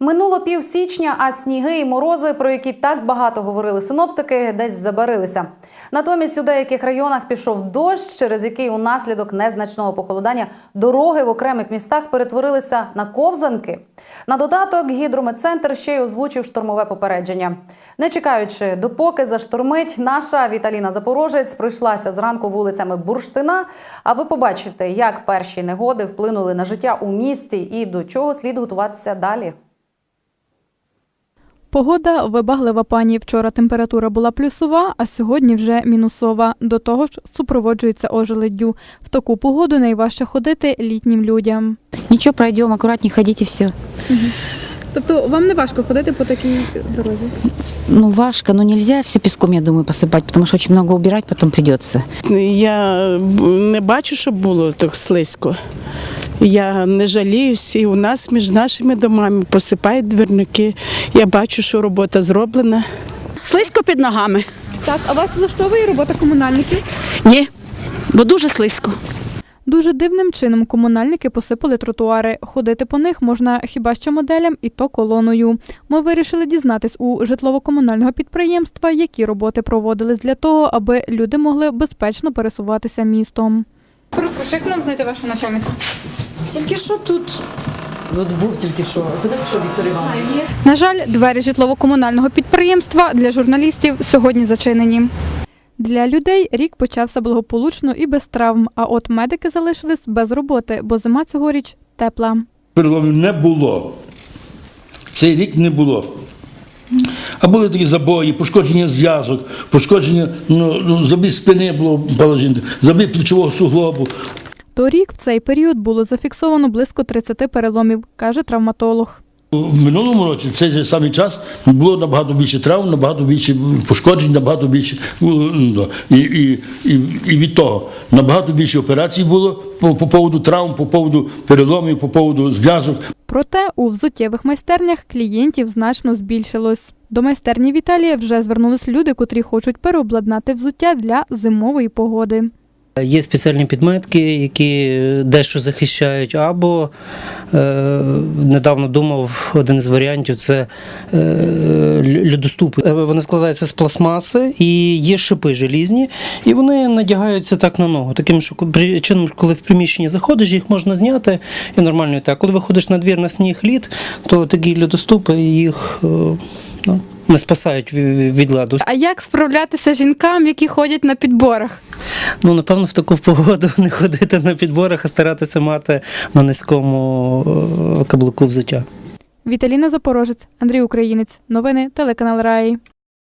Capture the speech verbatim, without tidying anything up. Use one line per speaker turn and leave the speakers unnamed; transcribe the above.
Минуло пів січня, а сніги і морози, про які так багато говорили синоптики, десь забарилися. Натомість у деяких районах пішов дощ, через який унаслідок незначного похолодання дороги в окремих містах перетворилися на ковзанки. На додаток гідрометцентр ще й озвучив штормове попередження. Не чекаючи, допоки заштормить, наша Віталіна Запорожець пройшлася зранку вулицями Бурштина, аби побачити, як перші негоди вплинули на життя у місті і до чого слід готуватися далі.
Погода вибаглива, пані. Вчора температура була плюсова, а сьогодні вже мінусова. До того ж, супроводжується ожеледдю. В таку погоду найважче ходити літнім людям.
Нічого, пройдемо, акуратні ходіть і все.
Угу. Тобто вам не важко ходити по такій дорозі?
Ну, важко, но нельзя все песком, я думаю, посыпать, потому что очень много убирать потом придется.
Я не бачу, щоб було так слизько. Я не жаліюсь, і у нас між нашими домами посипають двірники. Я бачу, що робота зроблена.
Слизько під ногами?
Так, а вас влаштовує робота комунальників?
Ні, бо дуже слизько.
Дуже дивним чином комунальники посипали тротуари. Ходити по них можна хіба що моделям, і то колоною. Ми вирішили дізнатись у житлово-комунального підприємства, які роботи проводились для того, аби люди могли безпечно пересуватися містом. Прошу, як нам знайти вашого начальника?
Тільки що тут. От був тільки що. Куди пішов Віктор Іванович?
На жаль, двері житлово-комунального підприємства для журналістів сьогодні зачинені. Для людей рік почався благополучно і без травм, а от медики залишились без роботи, бо зима цьогоріч тепла.
Переломів не було. Цей рік не було. А були такі забої, пошкодження зв'язок, пошкодження ну, ну, забій спини було положення, забій плечового суглобу.
Торік в цей період було зафіксовано близько тридцяти переломів, каже травматолог.
В минулому році, в цей же самий час, було набагато більше травм, набагато більше пошкоджень, набагато більше, і, і, і, і від того, набагато більше операцій було по, по поводу травм, по поводу переломів, по поводу зв'язок.
Проте у взуттєвих майстернях клієнтів значно збільшилось. До майстерні Віталія вже звернулись люди, котрі хочуть переобладнати взуття для зимової погоди.
Є спеціальні підметки, які дещо захищають, або е, недавно думав, один з варіантів – це е, льодоступи. Вони складаються з пластмаси і є шипи желізні, і вони надягаються так на ногу. Таким чином, коли в приміщенні заходиш, їх можна зняти і нормально так. Коли виходиш на двір на сніг, лід, то такі льодоступи їх е, ну, не спасають від ладу.
А як справлятися жінкам, які ходять на підборах?
Ну, напевно, в таку погоду не ходити на підборах, а старатися мати на низькому каблуку взуття.
Віталіна Запорожець, Андрій Українець. Новини телеканал Раї.